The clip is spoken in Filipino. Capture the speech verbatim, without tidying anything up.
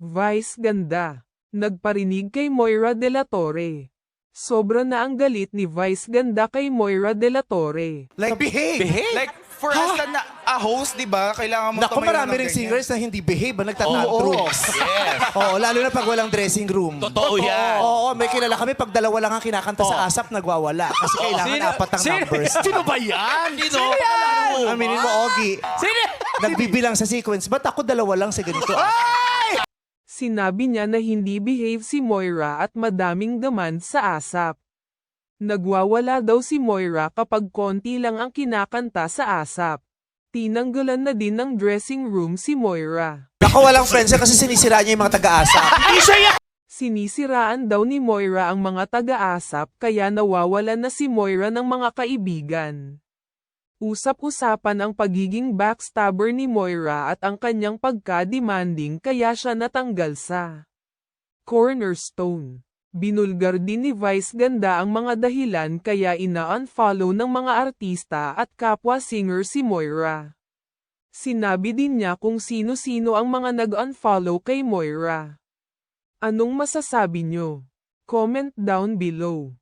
Vice ganda. Nagparinig kay Moira de la Torre. Sobra na ang galit ni Vice ganda kay Moira de la Torre. Like, behave. Behave? Like, for us na, na a host, di ba? Kailangan mo Naku, tumayo marami ng rin ganyan. singers na hindi behave, ba Oo. nagtatantrums. Yes. Oo, lalo na pag walang dressing room. Totoo yan. Oo, may kilala kami, pag dalawa lang ang kinakanta sa ASAP, nagwawala. Kasi kailangan Sino- apat ang sino- numbers. Sino ba yan? Sino? Aminin mo, Ogie. Sino? Nagbibilang sa sequence, ba't ako dalawa lang sa ganito? Sinabi niya na hindi behave si Moira at madaming demand sa ASAP. Nagwawala daw si Moira kapag konti lang ang kinakanta sa ASAP. Tinanggalan na din ng dressing room si Moira. Ako walang friends kasi sinisira niya yung mga taga-ASAP. Sinisiraan daw ni Moira ang mga taga-ASAP kaya nawawalan na si Moira ng mga kaibigan. Usap-usapan ang pagiging backstabber ni Moira at ang kanyang pagka-demanding kaya siya natanggal sa Cornerstone. Binulgar din ni Vice ganda ang mga dahilan kaya ina-unfollow ng mga artista at kapwa singer si Moira. Sinabi din niya kung sino-sino ang mga nag-unfollow kay Moira. Anong masasabi nyo? Comment down below.